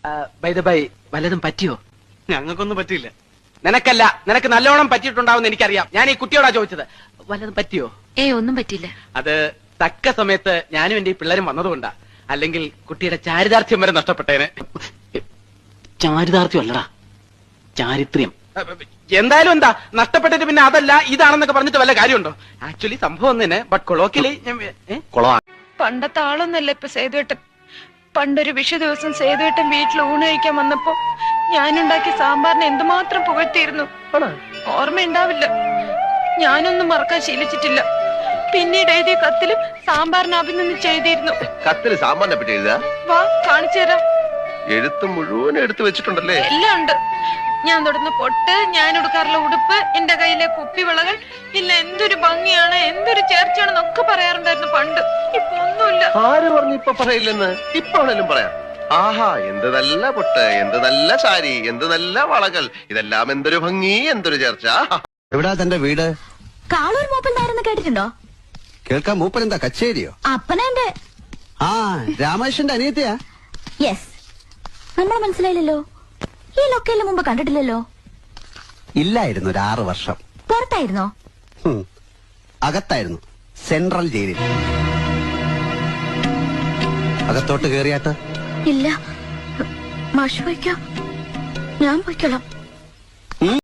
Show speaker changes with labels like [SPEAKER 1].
[SPEAKER 1] വല്ലതും പറ്റിയോ?
[SPEAKER 2] ഞങ്ങൾക്കൊന്നും പറ്റിയില്ല.
[SPEAKER 1] നിനക്കല്ല, നിനക്ക് നല്ലോണം പറ്റിയിട്ടുണ്ടാവും എനിക്കറിയാം. ഞാൻ ഈ കുട്ടിയോടാ ചോദിച്ചത്. വല്ലതും പറ്റിയോ?
[SPEAKER 3] ഒന്നും പറ്റില്ല.
[SPEAKER 1] അത് തക്ക സമയത്ത് ഞാനും എന്റെ ഈ പിള്ളേരും വന്നതുകൊണ്ടാ. അല്ലെങ്കിൽ കുട്ടിയുടെ ചാരിതാർത്ഥ്യം വരെ നഷ്ടപ്പെട്ടേനെ.
[SPEAKER 2] ചാരിതാർത്ഥ്യം അല്ലടാ, ചാരിത്രം.
[SPEAKER 1] എന്തായാലും എന്താ നഷ്ടപ്പെട്ടിട്ട് പിന്നെ അതല്ല ഇതാണെന്നൊക്കെ പറഞ്ഞിട്ട് വല്ല കാര്യമുണ്ടോ? ആക്ച്വലി സംഭവം തന്നെ. ബട്ട് കൊളോക്കിലി
[SPEAKER 3] പണ്ടത്തെ ആളൊന്നല്ല ഇപ്പൊ സേതുവേട്ടൻ. പണ്ടൊരു വിഷു ദിവസം സേതുവേട്ടൻ വീട്ടിൽ ഊണ് കഴിക്കാൻ വന്നപ്പോ ഞാനുണ്ടാക്കിയ സാമ്പാറിനെ എന്തുമാത്രം പുകഴ്ത്തിയിരുന്നു. ഓർമ്മയുണ്ടാവില്ല, ഞാനൊന്നും മറക്കാൻ ശീലിച്ചിട്ടില്ല. പിന്നീട് എഴുതിയ കത്തിലും സാമ്പാറിനെ അഭിനന്ദിച്ച് എഴുതിയിരുന്നു.
[SPEAKER 4] കത്തില് സാമ്പാറിനെ പറ്റി എഴുതാ?
[SPEAKER 3] വാ കാണിച്ചു തരാം.
[SPEAKER 4] എഴുത്ത് മുഴുവൻ എടുത്തു വെച്ചിട്ടുണ്ടല്ലേ?
[SPEAKER 3] എല്ലാം ഉണ്ട്. ഞാൻ തൊടുന്ന പൊട്ട്, ഞാൻ എടുക്കാറുള്ള ഉടുപ്പ്, എന്റെ കയ്യിലെ കുപ്പിവിളകൾ, ഇല്ല എന്തൊരു ഭംഗിയാണ്, എന്തൊരു ചേർച്ചയാണെന്നൊക്കെ പറയാറുണ്ടായിരുന്നു പണ്ട്. ഇപ്പൊ ഒന്നുമില്ല.
[SPEAKER 4] ആര് പറഞ്ഞു ഇപ്പൊ പറയില്ലെന്ന്? ഇപ്പൊ ആണേലും പറയാം. ആഹാ, എന്ത് നല്ല പൊട്ട്, എന്ത് നല്ല സാരി, എന്ത് നല്ല വളകൾ, ഇതെല്ലാം എന്തൊരു ഭംഗി, എന്തൊരു ചേർച്ച.
[SPEAKER 5] എവിടാ തന്റെ വീട്?
[SPEAKER 6] കാളൂർ മൂപ്പൻ നാരെന്ന് കേട്ടിട്ടുണ്ടോ?
[SPEAKER 5] കേൾക്കാൻ മൂപ്പൻ എന്താ കച്ചേരിയോ?
[SPEAKER 6] അപ്പനെന്റെ
[SPEAKER 5] രാമേശ്വരന്റെ അനിയത്തിയാ?
[SPEAKER 6] യെസ്. നമ്മളെ മനസ്സിലായില്ലല്ലോ. ഈ ലൊക്കേലിന് മുമ്പ് കണ്ടിട്ടില്ലല്ലോ.
[SPEAKER 5] ഇല്ലായിരുന്നു, ഒരു 6 വർഷം.
[SPEAKER 6] പുറത്തായിരുന്നോ?
[SPEAKER 5] അകത്തായിരുന്നു, സെൻട്രൽ ജയിലിൽ. അകത്തോട്ട് കേറിയാട്ട്?
[SPEAKER 6] ഇല്ല, മാഷ് പോയിക്കോ, ഞാൻ പോയിക്കോളാം.